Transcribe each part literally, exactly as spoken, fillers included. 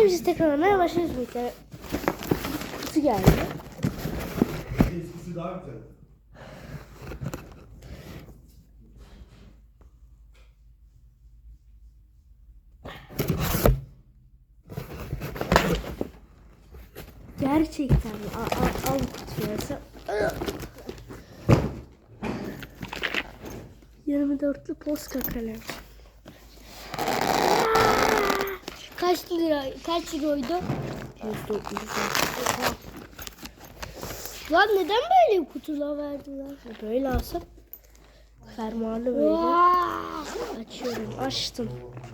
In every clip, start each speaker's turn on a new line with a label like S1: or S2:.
S1: Şimdi biz tekrarlamaya başlıyoruz. Bir tane kutu geldi.
S2: Eskisi daha güzel.
S1: Gerçekten mi? Al, al, al kutuyu. Sen... yirmi dörtlü Posca kalem.
S3: Kaç lira? Kaç euroydu?
S1: yüz dokuz.
S3: Lan neden böyle kutular verdiler?
S1: Böyle alsam fermuarlı böyle.
S3: Vay!
S1: Açıyorum. Açtım.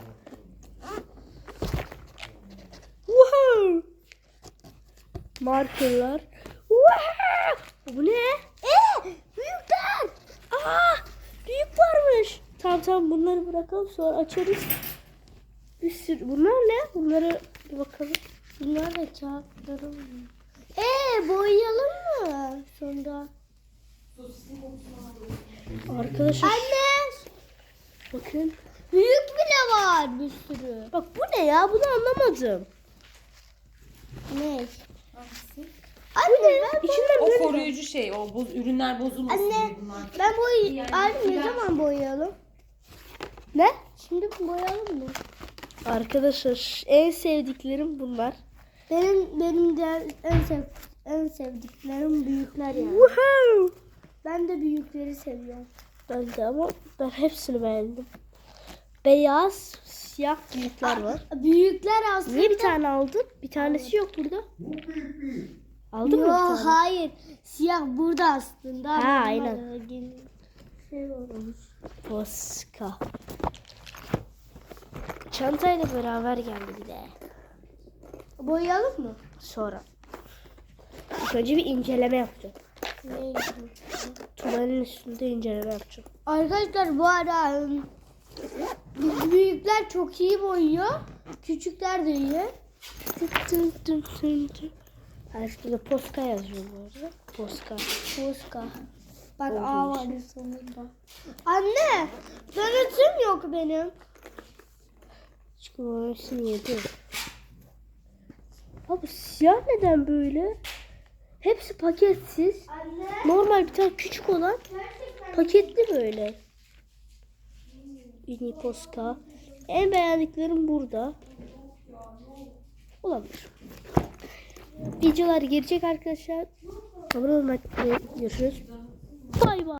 S1: Wow! Markerlar. Wow! Bu ne?
S3: Ee, büyükler!
S1: Aa! Büyük varmış. Tamam tamam bunları bırakalım sonra açarız. Bir sürü. Bunlar ne? Bunları bir bakalım.
S3: Bunlar da kağıtlarım. Ee, boyayalım mı sonra?
S1: Arkadaşlar
S3: Anne!
S1: bakın.
S3: Büyük bile var bir sürü.
S1: Bak bu ne ya? Bunu anlamadım.
S3: Ne? Anne ben
S1: İçinden
S4: O
S1: böyle.
S4: koruyucu şey, o boz, ürünler bozulmasın
S3: Anne
S4: diye bunlar.
S3: ben boy
S4: Yani
S3: Anne ne
S4: biraz-
S3: zaman boyayalım?
S1: Ne?
S3: Şimdi boyayalım mı?
S1: Arkadaşlar en sevdiklerim bunlar.
S3: Benim benim de en sev en sevdiklerim büyükler yani.
S1: Woohoo!
S3: Ben de büyükleri seviyorum.
S1: Ben de ama ben hepsini beğendim. Beyaz, siyah büyükler var.
S3: Büyükler aslında.
S1: Niye bir tane aldın? Bir tanesi yok burada.
S2: Bu büyük büyük.
S1: Aldın mı bir
S3: Yo,
S1: tane?
S3: hayır. Siyah burada aslında.
S1: Ha,
S3: Bunlar
S1: aynen.
S3: da gel- Şey olmuş.
S1: Posca. Çantayla beraber geldi bir de.
S3: Boyayalım mı?
S1: Sonra. İlk önce bir inceleme yapacağım.
S3: Neydi?
S1: Tuvalin üstünde inceleme yapacağım.
S3: Arkadaşlar bu ara ım, büyükler çok iyi boyuyor. Küçükler de iyi.
S1: Tın tın tın tın tın. Ha, şurada Posca yazıyor bu arada. Posca.
S3: Poska. Bak
S1: Olduğu
S3: A var
S1: için.
S3: sonunda. Anne, donatım yok benim.
S1: Çıkıyor hepsini yedi. Abi siyah neden böyle? Hepsi paketsiz.
S3: Anne,
S1: Normal bir tane küçük olan
S3: gerçekten
S1: paketli böyle. Mini Posca. En beğendiklerim burada. Olabilir. Videolar gelecek arkadaşlar. Abone olmayı unutmayın. Görüşürüz. Bay bay.